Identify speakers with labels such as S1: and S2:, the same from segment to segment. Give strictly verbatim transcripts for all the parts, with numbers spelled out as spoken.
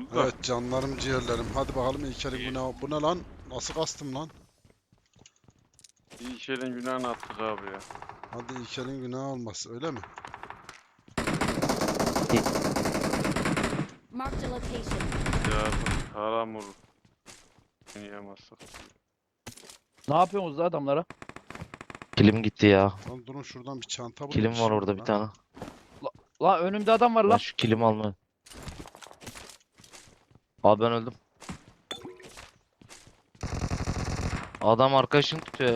S1: kanka?
S2: Evet canlarım ciğerlerim. Hadi bakalım İlker'in
S1: İyi.
S2: günahı. Bu ne lan? Nasıl kastım lan?
S1: İyi şeylerin günahını attık abi ya.
S2: Hadi İlker'in günahı olmaz öyle mi?
S3: Marked a location.
S1: Ya haram olur. Yiyemezsek.
S4: Ne yapıyorsunuz da adamlara?
S5: Kilim gitti ya.
S2: Lan durun şuradan bir çanta bulayım.
S5: Kilim
S2: Bir
S5: var
S2: şey
S5: orada
S2: olur
S5: bir
S2: lan.
S5: tane.
S4: La önümde adam var
S5: Ben
S4: la.
S5: şu kilimi alma. Abi ben öldüm. Adam arkadaşını tutuyor.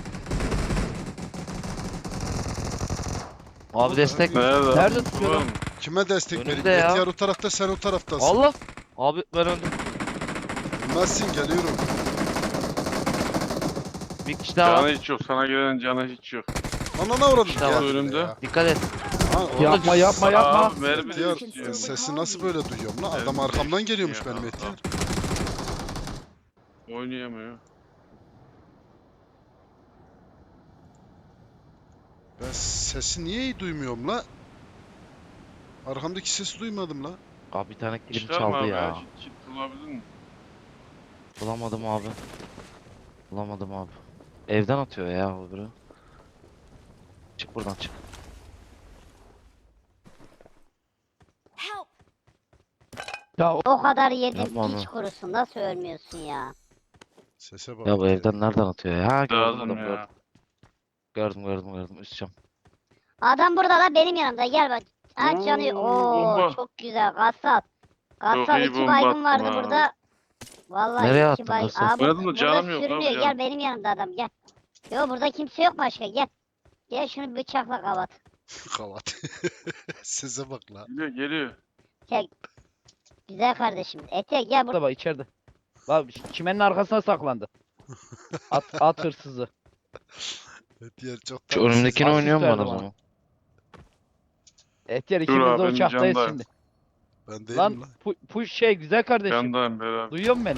S5: Abi destek.
S1: Nerede?
S4: Nerede tutuyor lan?
S2: Kime destek
S5: Önümde
S2: vereyim?
S5: ya.
S2: Etiyar o tarafta, sen o taraftasın.
S5: Allah. Abi ben öldüm.
S2: Bilmezsin, geliyorum.
S5: Bir kişi daha
S1: Canı
S5: var.
S1: hiç yok. Sana gelen canı hiç yok.
S2: Anana uğradım.
S5: İşte var
S2: Gel
S1: önümde.
S2: ya.
S5: Dikkat et.
S2: Ha,
S4: Yapma yapma yapma.
S1: Abi mermi
S2: Etiyar,
S1: istiyor.
S2: e, sesi nasıl böyle duyuyorum lan? Adam
S1: Mermi
S2: arkamdan
S1: istiyor
S2: geliyormuş
S1: ya.
S2: benim Etiyar.
S1: Oynayamıyor.
S2: Ben sesi niye iyi duymuyorum la? Arkamdaki sesi duymadım la.
S5: Abi bir tane kilim
S1: Çıkar mı
S5: çaldı
S1: abi
S5: ya.
S1: ya? Kit, kit bulabildin mi?
S5: Bulamadım abi. Bulamadım abi. Evden atıyor ya o biri. Çık buradan çık.
S3: Help!
S4: Ya o-
S6: O kadar yedim
S5: Yapma
S6: piç
S5: onu.
S6: kurusun nasıl ölmüyorsun ya?
S2: Sese bak.
S5: Ya bu
S2: ya.
S5: evden nereden atıyor ya? Ha gördüm
S1: Lazım
S5: adamı gördüm.
S1: ya.
S5: Gördüm gördüm gördüm. Üst cam.
S6: Adam burada la benim yanımda gel bak. Aç yanıyor.
S1: Oo,
S6: Oo
S1: bomba.
S6: çok güzel gassal.
S1: Çok
S6: Gassal
S1: iyi
S6: iki
S1: bomba
S6: baygın
S1: attım
S6: vardı
S1: ha.
S6: burada. Vallahi
S5: Nereye
S6: iki
S5: attın
S6: baygın.
S5: Gassal?
S6: Aa, bu-
S1: Oynadım da
S6: burada
S1: canım yok abi,
S6: sürünüyor.
S1: gel.
S6: Gel benim yanımda adam gel. Yo burada kimse yok başka gel. Gel şunu bıçakla kavat.
S2: Kavat. Sese bak la.
S1: Geliyor geliyor.
S6: Gel. Güzel kardeşim. Ete gel burada.
S4: burada bak içeride. La çimenin arkasına saklandı. At, at hırsızı.
S2: Etiyar çok
S5: Şu
S2: tatlı.
S5: önümdekini
S4: Asist
S5: oynuyor mu
S4: verdi
S5: bana o
S4: bana.
S5: zaman?
S4: Etyer
S1: Dur
S4: ikimiz
S1: abi,
S4: de
S1: benim
S4: uçaktayız
S1: candayım.
S4: şimdi.
S2: Ben değilim
S4: Lan
S2: lan.
S4: pu, pu şey güzel kardeşim.
S1: Yandayım beraber.
S4: Duyuyor musun beni?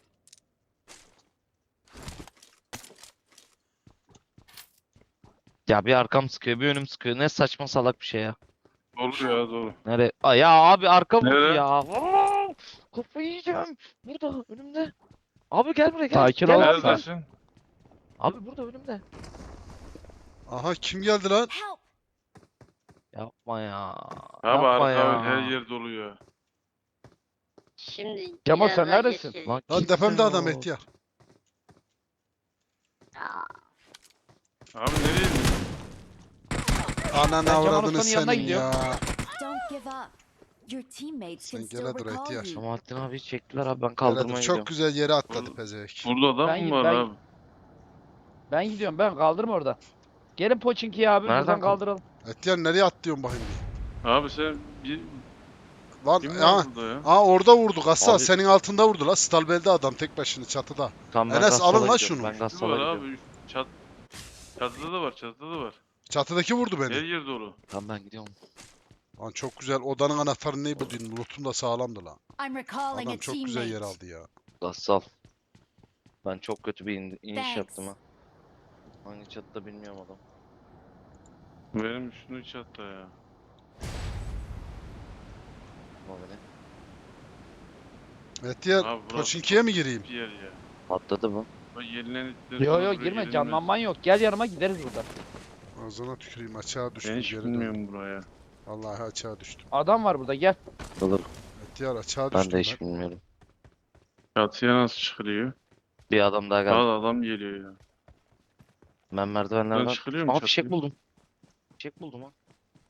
S5: Ya bir arkam sıkıyor bir önüm sıkıyor. Ne saçma salak bir şey ya.
S1: Olur ya doğru.
S5: Nereye? Aa, ya abi arka vurdu
S1: Nereye?
S5: ya. Aa, kafayı yiyeceğim. Burada önümde. Abi gel buraya gel.
S4: Sakin
S5: Gel
S4: ol.
S5: abi, gel.
S1: Neredesin?
S5: Abi burada önümde.
S2: Aha kim geldi lan?
S3: Help!
S5: Yapma ya.
S1: Abi
S5: Yapma
S1: arka
S5: ya.
S1: her yer dolu ya.
S6: Şimdi
S4: Cemal,
S6: biraz
S4: sen
S6: daha
S4: neredesin?
S6: geçeceğiz.
S5: Lan
S2: Lan
S5: kimse
S2: tepemde adam
S5: yok.
S2: Etiyar.
S6: Aa,
S1: Abi nereye gidiyorsun?
S2: Ananı
S4: Ben Cemal
S2: avradını
S4: Usta'nın yanına
S2: senin
S4: gidiyorum.
S2: ya.
S3: Don't give up. Your teammates
S2: Sen
S3: can still
S2: gele dur
S3: recall
S2: ihtiyar.
S3: you.
S5: Şamahattin abi çektiler abi ben
S2: Hele
S5: kaldırmaya
S2: dur,
S5: gidiyorum.
S2: çok güzel yere atladı
S1: Burada-
S2: pezevenk.
S1: Burada adam
S4: Ben-
S1: mı var
S4: ben-
S1: abi?
S4: Ben gidiyorum ben kaldırma orada. Gelin Poçinki'yi abi
S5: Nereden
S4: buradan
S5: kal-
S4: kaldıralım.
S2: Etiyar nereye atlıyorsun bakayım bir?
S1: Abi sen bir...
S2: Lan
S1: Kim
S2: ya.
S1: var burada ya?
S2: Aa orada vurdu Gassal.
S5: Abi-
S2: Senin altında vurdu la. Stalbel'de adam tek başına çatıda.
S5: Tamam ben
S2: Enes,
S5: Gassal'a
S2: alın lan
S5: gidiyorum,
S2: şunu.
S5: Ben
S1: Şu
S5: Gassal'a
S1: var
S5: gidiyorum.
S1: abi. üst- Çat... Çatıda da var, çatıda da var.
S2: Çatıdaki vurdu
S1: Her
S2: beni.
S1: yer dolu.
S5: Tamam ben gidiyorum.
S2: Lan çok güzel. Odanın anahtarını ne buldun? Loot'un da sağlamdı lan.
S3: I'm recalling
S2: Adam
S3: a
S2: çok güzel yer
S3: teammate.
S2: aldı ya.
S5: Gassal. Ben çok kötü bir in- iniş
S3: Thanks.
S5: yaptım ha. Hangi çatıda bilmiyorum adam.
S1: Benim üstünü çatta ya.
S5: Ama beni.
S2: Etiyar
S1: Abi burası
S2: Koçinki'ye mi gireyim?
S1: bir yer ya.
S5: Atladı bu.
S1: Bak yenilen
S4: Yo yo girme canlanman yok. Gel yanıma gideriz buradan.
S2: Ağzına tüküreyim, açığa
S1: Ben
S2: düştüm
S1: hiç
S2: geri döndüm.
S1: bilmiyorum buraya.
S2: Vallahi açığa düştüm.
S4: Adam var burada gel.
S5: Olur.
S2: Etiyar açığa
S5: Ben
S2: düştüm
S5: de hiç bilmiyorum.
S1: Çatıya nasıl çıkılıyor?
S5: Bir adam daha geldi.
S1: Al adam geliyor ya.
S5: Ben
S1: Ben
S5: merdivenlerden...
S1: çıkılıyor mu
S5: Aa fişek
S1: çatıya?
S5: buldum. Fişek buldum ha.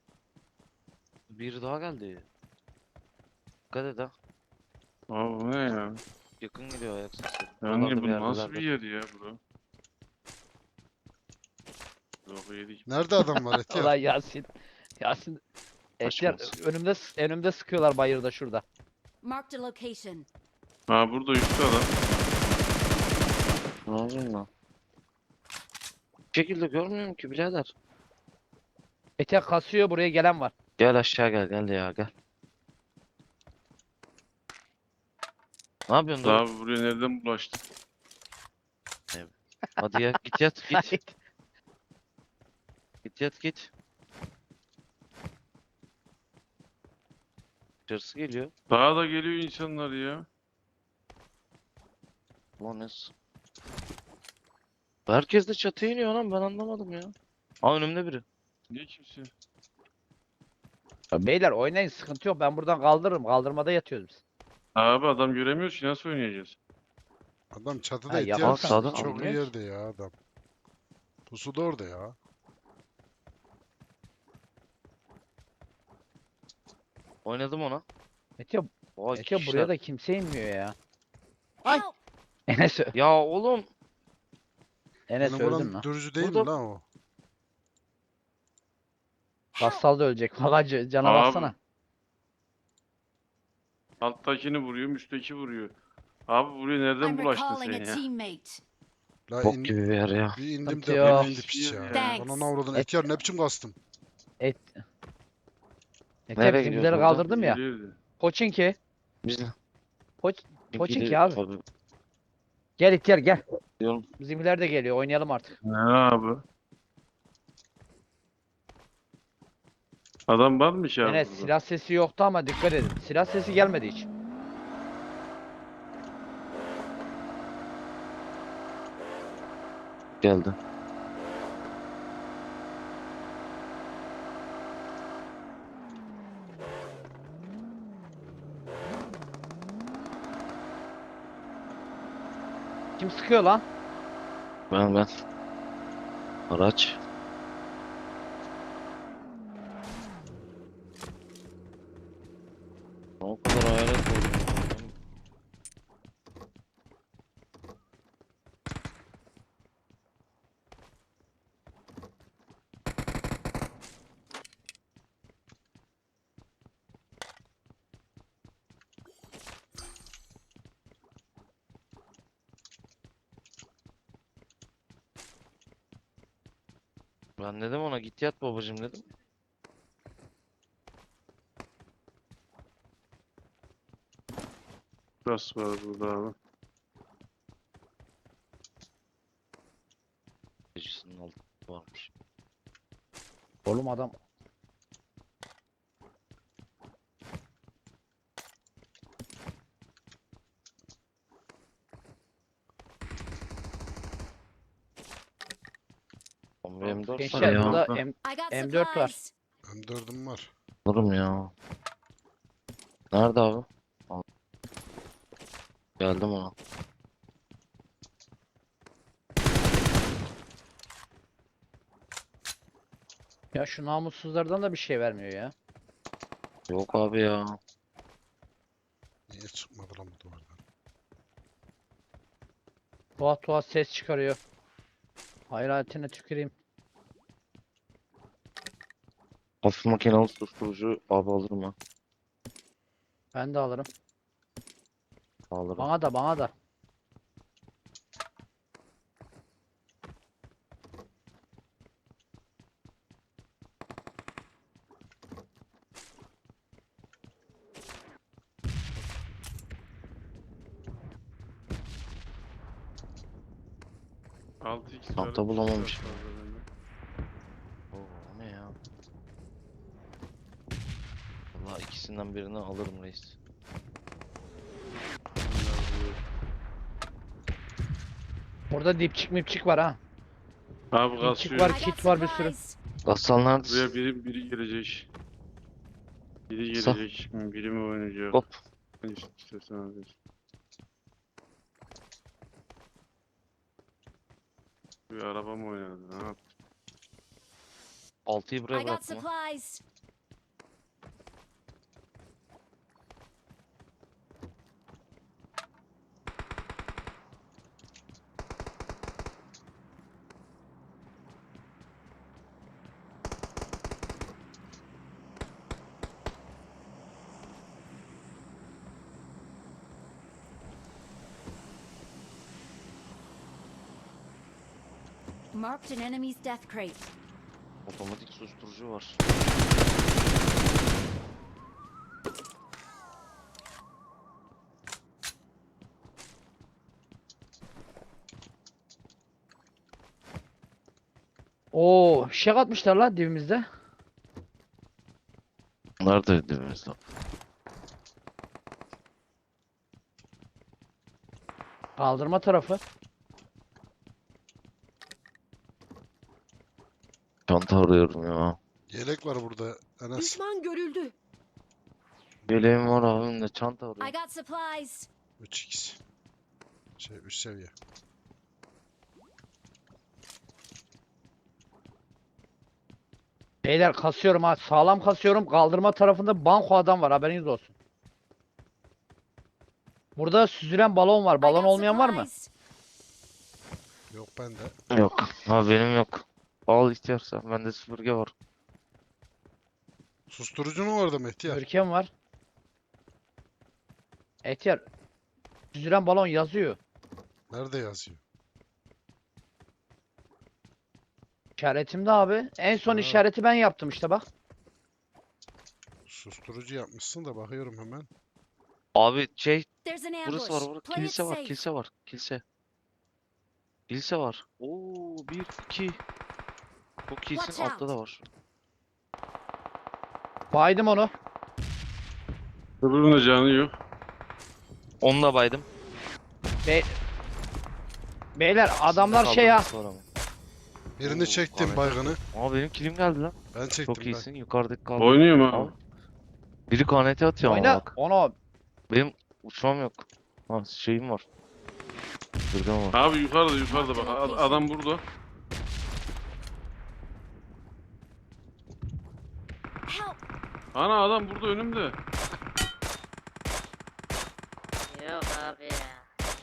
S5: Bir daha geldi. Dikkat et ha.
S1: Abi bu ne ya?
S5: Yakın geliyor ayak sesi.
S1: Yani
S5: Buralarda
S1: bu
S5: bir
S1: nasıl
S5: yerlerde.
S1: bir yer ya bura? Yok yedik.
S2: Nerede adam var Etiyar?
S4: Ulan Yasin. Yasin. Etyer
S5: Kaçmaz.
S4: önümde önümde sıkıyorlar bayırda şurada.
S3: Marked a location.
S1: Ha burada üstte adam.
S5: Ne yapayım lan? Bir şekilde görmüyorum ki birader.
S4: Etyer kasıyor buraya gelen var.
S5: Gel aşağı gel gel ya gel. Ne yapıyorsun Doruk?
S1: Abi buraya nereden bulaştık?
S5: Hadi ya git yat git. Git yat git. Dışarısı geliyor.
S1: Daha da geliyor insanlar ya.
S5: Ulan ne s- Herkes de çatıya iniyor lan, ben anlamadım ya. Aa, önümde biri.
S1: Niye kimse?
S4: Ya beyler oynayın, sıkıntı yok. Ben buradan kaldırırım. Kaldırmada yatıyoruz biz.
S1: Abi adam göremiyoruz ki nasıl oynayacağız?
S2: Adam çatıda
S4: Ha,
S2: ihtiyar
S4: yaparsan
S5: sağda
S2: çok iyi
S4: anlıyoruz.
S2: yerde ya adam. Pusu da orada ya.
S5: Oynadım ona.
S4: Mete,
S5: Vay
S4: Mete
S5: kişiler.
S4: buraya da kimse inmiyor ya.
S6: Ay.
S3: Help!
S4: Enes, ö-
S5: Ya oğlum.
S4: Enes
S2: Benim
S4: öldün
S2: olan
S4: lan.
S2: dürücü değil mi
S5: Burada-
S2: lan o?
S3: Help!
S4: Gassal da ölecek. Valla c- cana
S1: Abi.
S4: baksana.
S1: Alttakini vuruyor, üstteki vuruyor. Abi buraya nereden
S3: I'm
S1: bulaştın
S3: recalling
S1: sen
S3: a
S1: ya?
S3: teammate.
S2: La
S5: Bok
S2: in-
S5: gibi bir yer ya.
S2: bir indim
S4: Sıkıntı
S2: de
S4: yok.
S2: bana indi piç ya.
S3: Thanks.
S2: Bana avradın
S4: Et-
S2: ihtiyar ne biçim kastım.
S4: Et. Mete
S5: Nereye
S4: bizimkileri
S5: gidiyoruz buradan?
S4: kaldırdım ya.
S1: Geliyordu.
S4: Poçinki.
S5: Biz de.
S4: Poç,
S5: Çünkü
S4: Poçinki
S5: de-
S4: abi.
S5: Tabii
S4: Gel ihtiyar gel.
S5: diyorum.
S4: Bizimkiler de geliyor. Oynayalım artık.
S1: Ne abi? Adam varmış ya
S4: Enes
S1: burada.
S4: silah sesi yoktu ama dikkat edin. Silah sesi gelmedi hiç.
S5: Geldi.
S4: Kim sıkıyor lan?
S5: Ben ben. Araç. O kadar hayalet oldum. Ben dedim ona, git yat babacım dedim.
S1: Gas var burada abi.
S5: Gecesinin altı varmış.
S4: Oğlum adam.
S5: on bir M dört var
S4: Gençler
S5: ya.
S4: burada
S1: orada.
S4: M
S3: I got
S4: M dört var.
S3: supplies.
S2: M dördüm var.
S5: Alırım ya. Nerede abi? Al. Geldim ona.
S4: Ya şu namussuzlardan da bir şey vermiyor ya.
S5: Yok abi ya.
S2: Niye çıkmadı lan bu duvardan?
S4: Tuhaf tuhaf ses çıkarıyor. Hayratine tüküreyim.
S5: Hafif makinalı susturucu abi alırım ha.
S4: Ben de alırım.
S5: Alırım.
S4: Bana da bana da.
S1: altı x
S5: Çanta
S1: var,
S5: bulamamışım.
S1: var bende.
S5: Oo, o ne ya? Vallahi ikisinden birini alırım reis.
S1: Bunlar bu.
S4: Burada dipçik mipçik var ha.
S1: Abi
S4: Dipçik
S1: kasıyor.
S4: var,
S3: I got
S4: kit var bir sürü.
S3: supplies.
S5: Gassal
S1: Buraya
S5: neredesin?
S1: biri, biri gelecek. Biri
S5: Sa-
S1: gelecek. Biri mi oynayacak?
S5: Hop.
S1: Ne istiyorsan abi. Bir araba mı oynadı? Ne yaptı?
S5: altıyı buraya
S3: I got
S5: bıraktım ha.
S3: supplies. Marked an enemy's death crate.
S5: Otomatik susturucu var.
S4: Oo, fişek atmışlar lan dibimizde.
S5: Nerede dibimizde?
S4: Kaldırma tarafı.
S5: Çanta arıyorum ya.
S2: Yelek var burada Enes.
S3: Düşman görüldü.
S5: Yeleğim var abim de çanta
S3: I
S5: arıyorum.
S3: got supplies.
S2: üç x. Şey üst seviye.
S4: Beyler kasıyorum ha. Sağlam kasıyorum. Kaldırma tarafında banko adam var. Haberiniz olsun. Burada süzülen balon var.
S3: I
S4: Balon
S3: got
S4: olmayan var mı?
S3: supplies.
S2: Yok bende.
S5: Yok. Ha benim yok. Al ihtiyarsa. Bende süpürge var.
S2: Susturucu mu vardı Mehtiyar?
S4: Görkem var. Etyer. Süzülen balon yazıyor.
S2: Nerede yazıyor?
S4: İşaretimde abi. En son
S2: Ha.
S4: işareti ben yaptım işte bak.
S2: Susturucu yapmışsın da bakıyorum hemen.
S5: Abi şey
S3: There's an ambush.
S5: burası var burada.
S3: Play it
S5: Kilise var.
S3: safe.
S5: Kilise var. Kilise. Kilise var. Oo bir iki. Bu kilisin
S3: Watch
S5: altta
S3: out.
S5: da var.
S4: Baydım onu.
S1: Öbürünün de canı yok.
S5: Onu da baydım.
S4: Be Beyler adamlar
S5: Sizde
S4: şey ya.
S5: kaldırması var ama.
S2: Birini
S5: Oo,
S2: çektim
S5: Ahmet.
S2: baygını.
S5: Aa benim kilim geldi lan.
S2: Ben çektim
S5: Çok
S2: ben.
S5: iyisin. Yukarıdaki kaldı.
S1: Oynuyor mu abi?
S5: Al. Biri K N T atıyor ama
S4: Oyna.
S5: bak.
S4: Onu.
S5: Benim uçmam yok. Ha şeyim var. Sürgün var.
S1: Abi yukarıda yukarıda bak. A- Adam burada.
S3: Help.
S1: Ana adam burada önümde.
S6: Yok abi ya.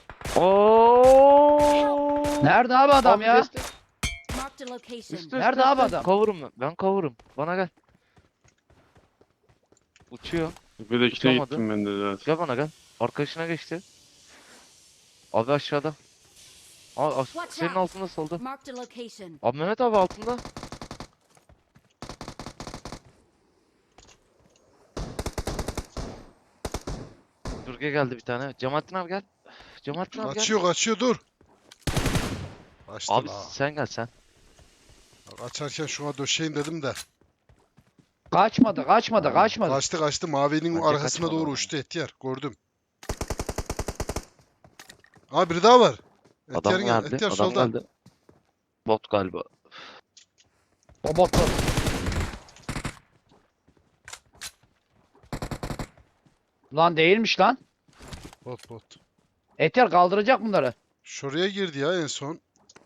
S5: Oo!
S4: Nerede abi adam
S5: Abi
S4: ya?
S5: destek.
S3: Marked a location.
S5: Üstte,
S4: Nerede
S5: üstte,
S4: abi
S5: üstte.
S4: adam?
S5: Cover'ım ben. Ben cover'ım. Bana gel. Uçuyor.
S1: Tepedekine
S5: Uçamadı.
S1: gittim ben de zaten.
S5: Gel bana gel. Arkadaşına geçti. Abi aşağıda. Aa, as-
S3: Watch
S5: senin
S3: out.
S5: altında solda.
S3: Marked a location.
S5: Abi Mehmet abi altında. Durge geldi bir tane. Cemalettin abi gel. Cemalettin abi gel.
S2: Kaçıyor kaçıyor dur. Kaçtı
S5: Abi
S2: la.
S5: sen gel sen.
S2: Kaçarken şuna döşeyin dedim de.
S4: Kaçmadı, kaçmadı, kaçmadı.
S2: Kaçtı kaçtı mavinin
S5: Bence
S2: arkasına
S5: kaçmadı
S2: doğru
S5: ama.
S2: uçtu Etiyar. Gördüm. Aa biri daha var.
S5: Adam
S2: Etiyar'ın yan-
S5: geldi.
S2: Etiyar
S5: Adam
S2: solda.
S5: geldi. Bot galiba.
S4: O botlu. Lan değilmiş lan.
S2: Bot bot.
S4: Etyer kaldıracak bunları.
S2: Şuraya girdi ya en son.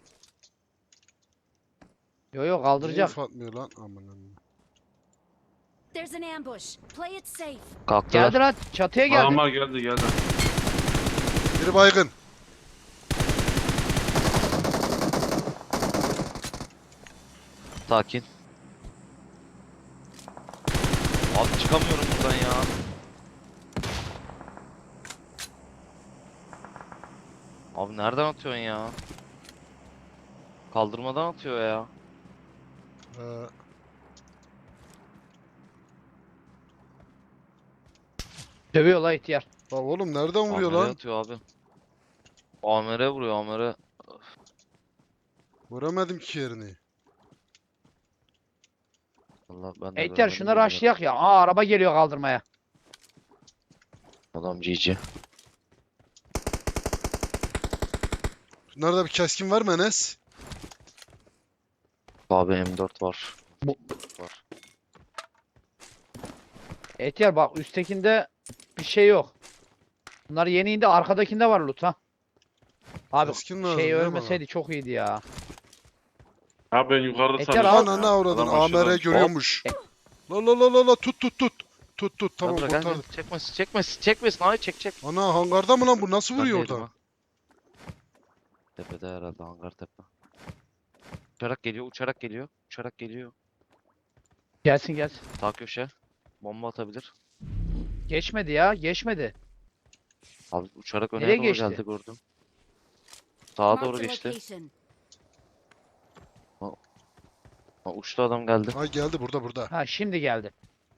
S4: Yo yo
S2: Niye
S4: kaldıracak.
S2: info atmıyor lan? Aman aman.
S3: There's an ambush. Play it safe.
S5: Kalktılar.
S4: Geldi lan çatıya geldi.
S1: Adamlar geldi geldi.
S2: Biri baygın.
S5: Sakin. Abi çıkamıyorum buradan ya. Abi nereden atıyorsun ya? Kaldırmadan atıyor ya.
S2: Ee,
S4: Dövüyor la ihtiyar.
S2: bak oğlum nereden vuruyor
S5: Amer'e
S2: lan?
S5: atıyor abi. Amer'e vuruyor Amer'e.
S2: Göremedim ki yerini.
S5: Allah ben de
S4: Etyer
S5: göremedim
S4: şuna
S5: bilmiyorum.
S4: rushlayak ya. Aa araba geliyor kaldırmaya.
S5: Adam G G.
S2: Bunlarda bir keskin var mı Enes?
S5: Abi M dört var.
S4: Bu-
S5: Var.
S4: Etyer bak üsttekinde bir şey yok. Bunlar yeni indi arkadakinde var loot ha. Abi
S2: Keskin lazım
S4: şey
S2: değil mi
S4: ölmeseydi çok iyiydi ya.
S1: Abi ben yukarıda
S4: Etyer
S1: sanıyorum.
S4: al.
S2: Ananı avradın.
S1: Adam
S2: A M R
S1: aşağıdan-
S2: görüyormuş. La la la la la tut tut tut. Tut tut tamam
S5: Tamam, gel, gel.
S2: kurtardım.
S5: Çekmesin çekmesin çekmesin abi çek çek.
S2: Ana hangarda mı lan bu? Nasıl
S5: Ben
S2: vuruyor
S5: değilim
S2: oradan?
S5: ha. Tepede herhalde hangar tepe. Uçarak geliyor uçarak geliyor. Uçarak geliyor.
S4: Gelsin gelsin.
S5: Sağ köşe. Bomba atabilir.
S4: Geçmedi ya geçmedi.
S5: Abi uçarak öne
S4: Nereye
S5: doğru
S4: geçti?
S5: geldi gördüm. Sağa
S3: Marked
S5: doğru
S3: a
S5: geçti.
S3: location.
S5: Ha, uçtu adam geldi.
S2: Ay geldi burada burada.
S4: Ha şimdi geldi.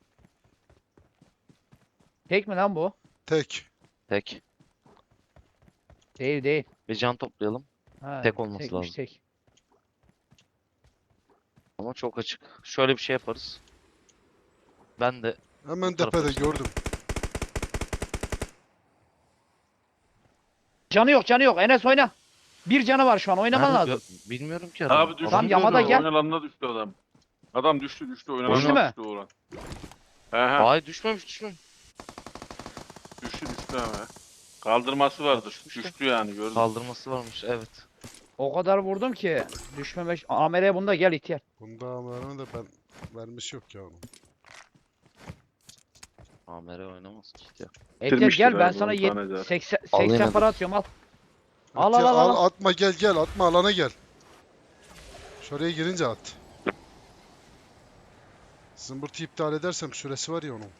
S4: Tek mi lan bu?
S2: Tek.
S5: Tek.
S4: Değil değil.
S5: Bir can toplayalım.
S4: Ha,
S5: Tek olması
S4: tekmiş,
S5: lazım.
S4: Tek.
S5: Ama çok açık. Şöyle bir şey yaparız. Ben de
S2: Hemen
S5: Bu tarafa
S2: tepede
S5: işte.
S2: gördüm.
S4: Canı yok canı yok. Enes oyna. Bir canı var şu an. Oynaman
S5: Nerede?
S4: lazım.
S5: Gö- Bilmiyorum ki adam.
S1: Abi düştü.
S4: Adam
S5: Adam-
S4: yamada gel.
S1: Oynalanına düştü adam. Adam düştü düştü.
S4: Düştü
S1: Oynalanına
S4: mü?
S1: düştü Orhan. He he.
S5: Hayır düşmemiş düşmemiş.
S1: Düştü düştü ama. Kaldırması vardır.
S5: Düşmüş de.
S1: Düştü yani gördüm.
S5: Kaldırması varmış evet.
S4: O kadar vurdum ki. Düşmemek. Amer'e bunda gel ihtiyar.
S2: Bunda ama da ben vermiş yok ya onun.
S5: Amere oynamaz ki işte.
S4: Ehtiyar
S1: Bitirmiştir
S4: gel ben
S1: abi,
S4: sana
S1: on
S4: yet-
S1: tane daha.
S4: seksen,
S5: Alayım
S4: seksen
S5: hadi.
S4: para atıyorum al. Al,
S2: Ihtiyar,
S4: al, al, al.
S2: Atma gel gel atma alana gel. Şuraya girince at. Zımbırtı iptal edersem süresi var ya onun.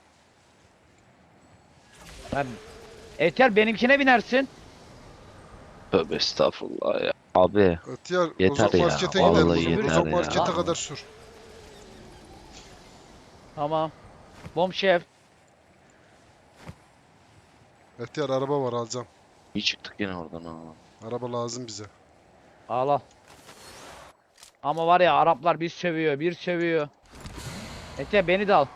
S4: Ben... Ehtiyar benimkine binersin.
S5: Tövbe estağfurullah ya. Abi
S2: Ihtiyar
S5: Yeter
S2: uzak
S5: ya,
S2: markete
S5: vallahi
S2: gidelim o zaman.
S4: yeter
S2: Uzak
S5: ya.
S2: markete kadar sür.
S4: Tamam. Bom şef.
S2: Ihtiyar araba var alacağım.
S5: iyi çıktık yine oradan ha.
S2: Araba lazım bize.
S4: Al al. Ama var ya Araplar bir sövüyor, bir sövüyor. Ehtiyar beni de al.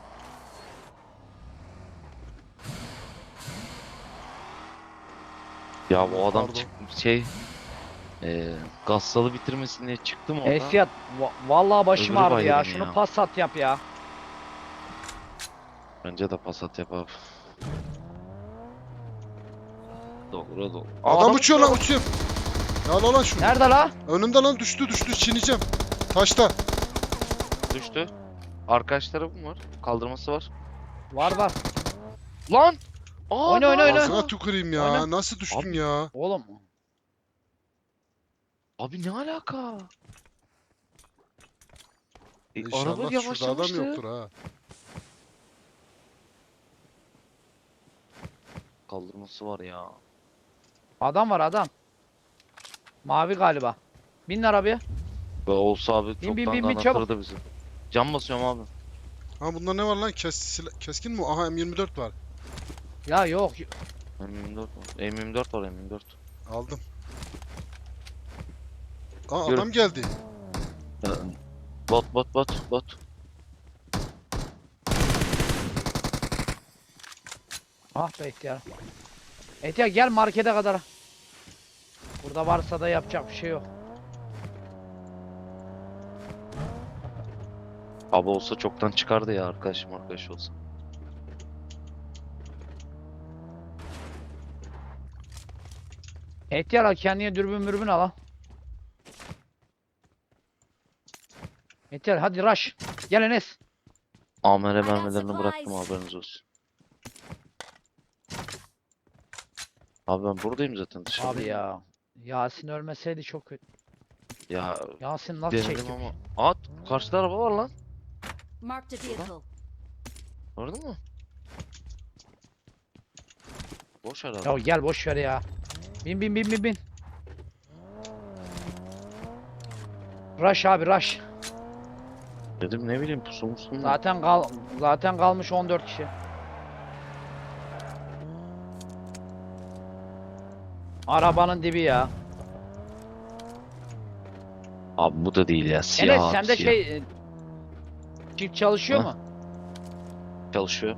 S5: Ya bu adam
S2: Pardon.
S5: çık şey eee Gassal'ı bitirmesin diye çıktım oradan.
S4: Ehtiyar va- vallahi başım
S5: Öbürü
S4: ağrıdı ya.
S5: baygın
S4: Şunu
S5: ya.
S4: pas at yap ya.
S5: Bence de pasat yap abi. Doğru doğru.
S2: Adam uçuyor lan uçuyor. Ya al lan şunu.
S4: Nerede la?
S2: Önümde lan düştü düştü çiğneyeceğim. Taşta.
S5: Düştü. Arkadaş tarafım var. Kaldırması var.
S4: Var var.
S5: Lan! Aa,
S4: Oyna, oyna, oyna.
S2: Ağzına tüküreyim ya.
S4: Oyna.
S2: Nasıl düştün
S5: Abi.
S2: ya?
S4: Oğlum.
S5: Abi ne alaka? E, araba
S2: İnşallah şurada adam
S5: yavaşlamıştı.
S2: yoktur ha.
S5: Kaldırması var ya.
S4: Adam var adam. Mavi galiba. Bin arabaya.
S5: Ve olsa abi
S4: Bin,
S5: çoktan
S4: bin, bin,
S5: da
S4: bin, çabuk.
S5: anahtarı da bizi. Cam basıyorum abi.
S2: Ha bunda ne var lan? Kes, sila- keskin mi? Aha M yirmi dört var.
S4: Ya yok.
S5: M yirmi dört var. M yirmi dört var M yirmi dört.
S2: Aldım. Aa
S5: Yürü.
S2: adam geldi.
S5: Ee, Bot bot bot bot.
S4: Ah be ihtiyar. İhtiyar gel markete kadar. Burada varsa da yapacak bir şey yok.
S5: Abi olsa çoktan çıkardı ya arkadaşım arkadaş olsa.
S4: İhtiyar al kendine dürbün mürbün al ha. İhtiyar hadi rush. Gel Enes.
S5: Amere
S3: I got
S5: mermilerini bıraktım
S3: supplies.
S5: haberiniz olsun. Abi ben buradayım zaten dışarıda.
S4: Abi ya. Yasin ölmeseydi çok kötü.
S5: Ya
S4: Yasin nasıl
S5: denedim
S4: çekti?
S5: ama. At karşıda araba var lan.
S3: Marked a vehicle.
S5: Gördün mü? Boş araba.
S4: Ya gel boş ver ya. Bin bin bin bin bin. Rush abi rush.
S5: Dedim ne bileyim pusu musun?
S4: Zaten kal zaten kalmış on dört kişi. Arabanın dibi ya.
S5: Abi bu da değil ya siyah
S4: Enes
S5: abi,
S4: sende
S5: siyah.
S4: şey e, çift çalışıyor
S5: Ha?
S4: mu?
S5: Çalışıyor.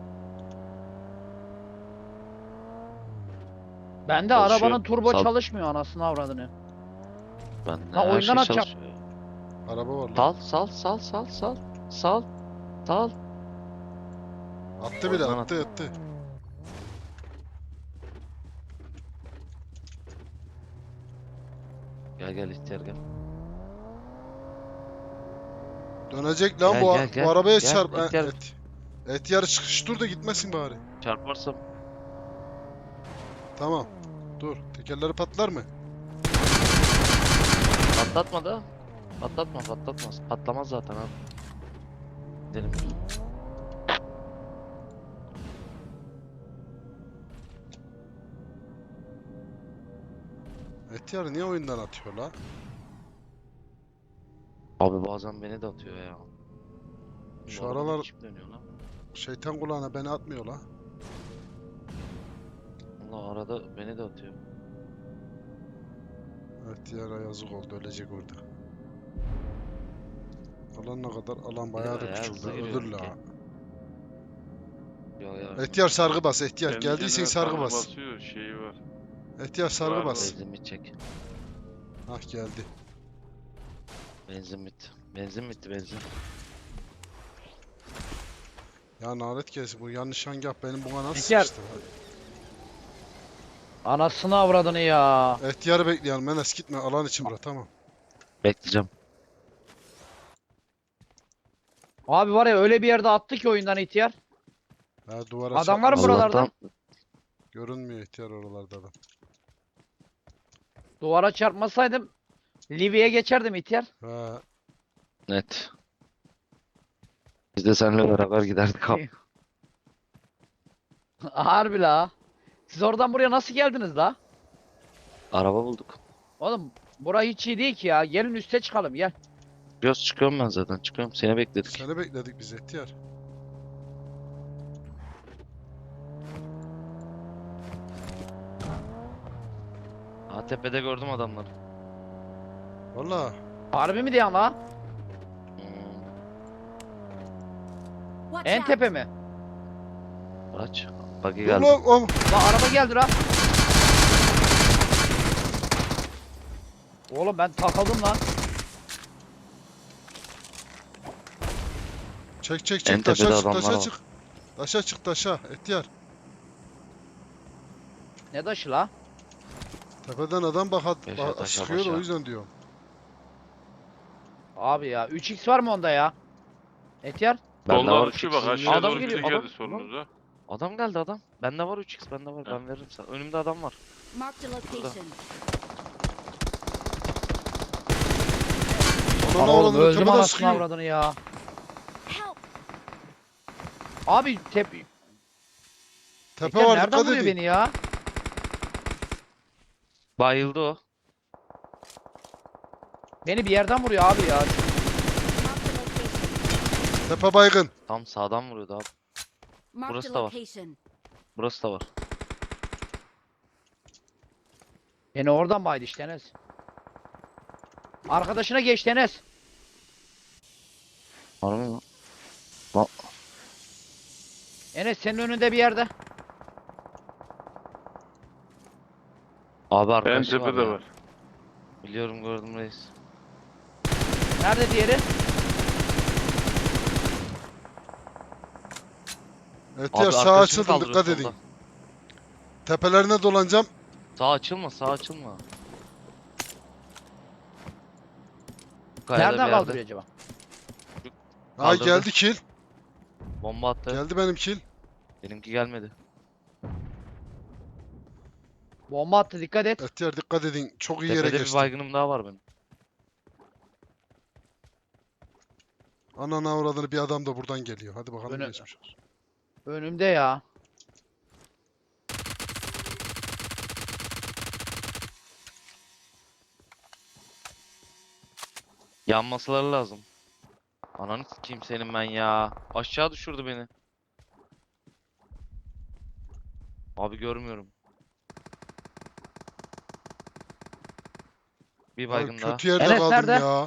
S4: Bende
S5: Çalışıyor.
S4: arabanın turbo
S5: Sal-
S4: çalışmıyor anasını avradını.
S5: Ben
S4: Ha,
S5: her
S4: oyundan
S5: şey
S4: atacağım.
S5: çalışıyor.
S2: Araba var lan.
S5: Sal sal sal sal sal. Sal. Sal.
S2: Attı bile
S5: Oradan
S2: attı attı.
S5: Gel gel ihtiyar gel.
S2: Dönecek lan
S5: Gel,
S2: bu,
S5: gel, gel.
S2: bu arabaya
S5: Gel,
S2: çarp. Ha,
S5: ihtiyar.
S2: et. Et yarı çıkış dur da gitmesin bari.
S5: Çarparsam.
S2: Tamam. Dur. Tekerleri patlar mı?
S5: Patlatma da. Patlatma patlatmaz. Patlamaz zaten abi. Gidelim.
S2: Et yarı niye oyundan atıyor la?
S5: Abi bazen beni de atıyor ya.
S2: Şu
S5: Bu arada
S2: aralar
S5: çip dönüyor lan.
S2: şeytan kulağına beni atmıyor la.
S5: Allah arada beni de atıyor.
S2: Et yara yazık oldu ölecek orada. Alan ne kadar? Alan bayağı da
S5: Ya,
S2: küçük
S5: hızlı
S2: la.
S5: giriyor
S2: Ölür la.
S5: ki. Ya ya.
S2: Ehtiyar sargı bas. Ehtiyar
S1: Kendi
S2: geldiysen
S1: kendine
S2: sargı
S1: sargı
S2: bas.
S1: basıyor şeyi var.
S2: Ehtiyar sargı
S1: Var,
S2: bas.
S5: Benzin bitecek.
S2: Hah geldi.
S5: Benzin bitti. Benzin bitti benzin.
S2: Ya nalet gelsin bu yanlış hangah benim buna nasıl
S4: Ehtiyar.
S2: sıçtı?
S4: Anasını avradını ya.
S2: Ehtiyarı bekleyelim Enes gitme alan için bırak tamam.
S5: Bekleyeceğim.
S4: Abi var ya öyle bir yerde attı ki oyundan ihtiyar.
S2: Ha duvara
S4: Adam var mı
S2: çarpmasın.
S4: buralarda?
S5: Allah'tan
S2: Görünmüyor ihtiyar oralarda adam.
S4: Duvara çarpmasaydım Livy'ye geçerdim ihtiyar.
S2: Ha
S5: net. Biz de seninle beraber giderdik abi.
S4: Harbi la. Siz oradan buraya nasıl geldiniz la?
S5: Araba bulduk.
S4: Oğlum bura hiç iyi değil ki ya. Gelin üste çıkalım gel.
S5: Göz çıkıyorum ben zaten çıkıyorum. Seni bekledik.
S2: seni bekledik biz ihtiyar.
S5: Ha tepede gördüm adamları.
S2: Valla
S4: Harbi mi diyorsun la?
S5: Hmm.
S3: Watch
S4: En
S3: out.
S4: tepe mi?
S5: Aç. Buggy
S2: dur
S5: geldi.
S2: lan oğlum.
S4: La araba geldi la. Oğlum ben takıldım lan.
S2: Çek çek
S5: En
S2: çek taşa
S5: tepede
S2: çık
S5: adamlar
S2: taşa
S5: var.
S2: çık. Taşa çık taşa ihtiyar.
S4: Ne taşı la?
S2: Tepeden adam bak,
S5: Yaşa
S2: bak
S5: taşa
S2: sıkıyor da o
S5: başa.
S2: yüzden diyorum.
S4: Abi ya üç x var mı onda ya? Etiyar.
S5: Bende
S1: Soldan
S5: var
S1: uçuyor
S5: üç
S1: bak
S5: x.
S1: aşağı
S5: Adam
S1: doğru biri
S5: geliyor,
S1: geldi
S5: adam-
S1: solunuza.
S5: Adam geldi adam. Bende var üç x bende var.
S1: Ha.
S5: Ben veririm sana. Önümde adam var.
S3: Marked a location.
S2: Ananı
S4: Oğlum
S2: avradını
S4: öldüm
S2: tepeden
S4: anasını
S2: sıkıyor.
S4: avradını ya.
S3: Help.
S4: Abi tep...
S2: Tepe
S4: Etiyar
S2: var
S4: nereden
S2: dikkat
S4: vuruyor
S2: edin.
S4: beni ya?
S5: Bayıldı o.
S4: Beni bir yerden vuruyor abi ya.
S3: Marked a location.
S2: Tepe baygın.
S5: Tam sağdan vuruyordu abi.
S3: Marked
S5: Burası
S3: a
S5: da var.
S3: location.
S5: Burası da var.
S4: Beni oradan baydı işte Enes. Arkadaşına geçti Enes.
S5: Var mı?
S4: Enes senin önünde bir yerde.
S5: Abi
S1: En
S5: arkadaşı var
S1: tepede
S5: ya.
S1: var.
S5: Biliyorum gördüm reis.
S4: Nerede diğeri?
S2: Ehtiyar
S5: Abi
S2: sağ
S5: arkadaşını
S2: açıldım
S5: kaldırıyor
S2: dikkat
S5: solda.
S2: edin. Tepelerine dolanacağım.
S5: Sağ açılma sağ açılma. Kayada bir
S4: Nereden
S5: yerde.
S4: kaldırıyor acaba?
S2: Ha
S5: Kaldırdı.
S2: geldi kill.
S5: Bomba attı.
S2: Geldi benim kill.
S5: Benimki gelmedi.
S4: Bomba attı dikkat et.
S2: Ehtiyar dikkat edin. Çok iyi yere
S5: Tepede bir
S2: geçtim.
S5: baygınım daha var benim.
S2: Ananı avradını bir adam da buradan geliyor. Hadi bakalım
S4: Öne-
S2: geçmiş olsun.
S4: Önümde ya.
S5: Yanmasaları lazım. Ananı sikeyim senin ben ya. Aşağı düşürdü beni. Abi görmüyorum. Bir
S2: Abi
S5: baygın daha.
S2: kötü yerde
S4: Enes
S2: kaldım
S4: nerede?
S2: ya.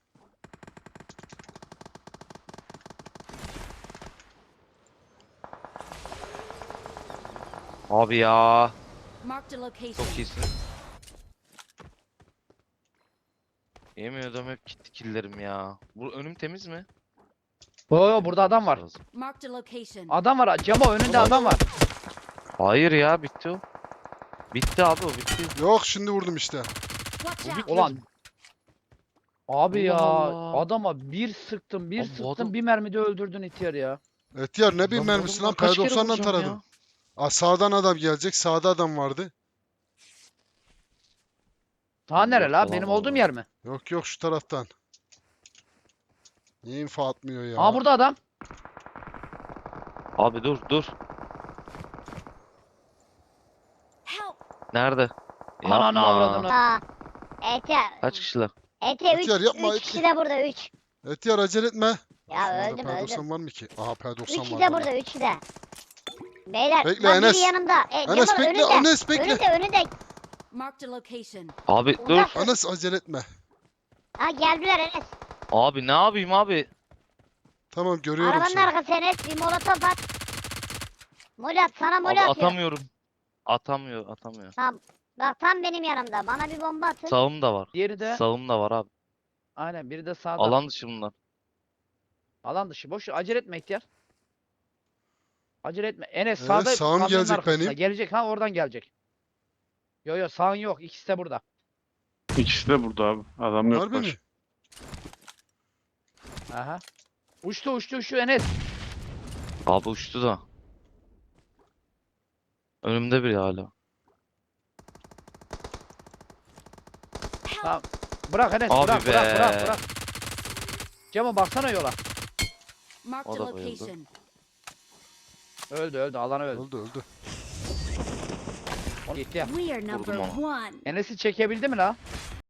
S5: Abi ya.
S3: Marked a location.
S5: Çok iyisin. Yemiyordum hep gitti killerim ya. Bu önüm temiz mi?
S4: Oo yo, burada adam var.
S5: Lazım.
S3: Marked a location.
S4: Adam var. Camo önünde
S5: Ulan.
S4: adam var.
S5: Hayır ya bitti o. Bitti abi o bitti.
S2: Yok şimdi vurdum işte.
S3: Watch
S5: Bu
S3: out.
S5: bitmedi.
S4: Ulan. Abi ya
S5: Allah Allah.
S4: adama bir sıktım bir
S5: Abi bu
S4: sıktım
S5: adam-
S4: bir mermide öldürdün ihtiyar ya.
S2: Ehtiyar ne bileyim
S5: Lan bu
S2: mermisi
S5: adamı
S2: lan.
S5: kaç kere
S2: P doksan'dan
S5: vuracağım ya?
S2: taradım. Aa, sağdan adam gelecek. Sağda adam vardı.
S4: Ta nere
S5: Yok,
S4: la?
S5: falan
S4: Benim
S5: var
S4: olduğum
S5: orada.
S4: yer mi?
S2: Yok yok şu taraftan. Niye info atmıyor ya?
S4: Aa burada adam.
S5: Abi dur dur.
S3: Help.
S5: Nerede?
S4: Ananı
S5: Yapma.
S4: avradını.
S6: Aa. Ehtiyar.
S5: Kaç kişiler?
S6: Ehtiyar üç,
S2: Ehtiyar yapma,
S6: üç kişi
S2: Ehtiyar.
S6: de burada üç.
S2: Ehtiyar acele etme.
S6: Ya
S2: Şurada
S6: öldüm
S2: P doksan
S6: öldüm.
S2: var mı ki? Aha P doksan
S6: Üçü
S2: var.
S6: de
S2: bana.
S6: burada üçü de. Beyler
S2: Bekle,
S6: lan biri
S2: Enes.
S6: yanımda. E,
S2: Enes
S6: Cemal
S2: bekle,
S6: önünde.
S2: Enes bekle.
S6: Önünde önünde.
S3: Marked a location.
S5: Abi dur.
S6: Uzak.
S2: Enes acele etme.
S6: Ha geldiler Enes.
S5: Abi ne yapayım abi?
S2: Tamam görüyorum
S6: Arabanın
S2: seni.
S6: arkası Enes. Bir molotof at. Mol at sana mol
S5: Abi
S6: atıyor.
S5: atamıyorum. Atamıyor, atamıyor.
S6: Tamam. Bak tam benim yanımda. Bana bir bomba atın.
S5: Sağım da var.
S4: Diğeri de
S5: Sağım da var abi.
S4: aynen biri de sağda.
S5: Alan dışı bunlar.
S4: Alan dışı. Boş ver, acele etme ihtiyar. Acele etme. Enes
S2: Evet,
S4: sağda
S2: sağım
S4: kamyonun
S2: gelecek
S4: arkasında.
S2: benim.
S4: Gelecek ha, oradan gelecek. Yo yo, sağın yok. İkisi de burada.
S1: İkisi de burada abi. Adam yok
S2: Harbi mi?
S1: baş.
S4: Aha. Uçtu uçtu uçtu Enes.
S5: Abi uçtu da. Önümde biri hala.
S4: Tamam. Bırak Enes,
S5: Abi
S4: bırak bırak
S5: be.
S4: bırak bırak. Cemo baksana yola.
S3: Marked
S5: O
S3: a
S5: da bayıldı.
S3: location.
S4: Öldü öldü, alan öldü.
S2: Öldü öldü.
S4: Gitti ya.
S3: We are number
S5: onu.
S3: one.
S4: Enes'i çekebildi mi la?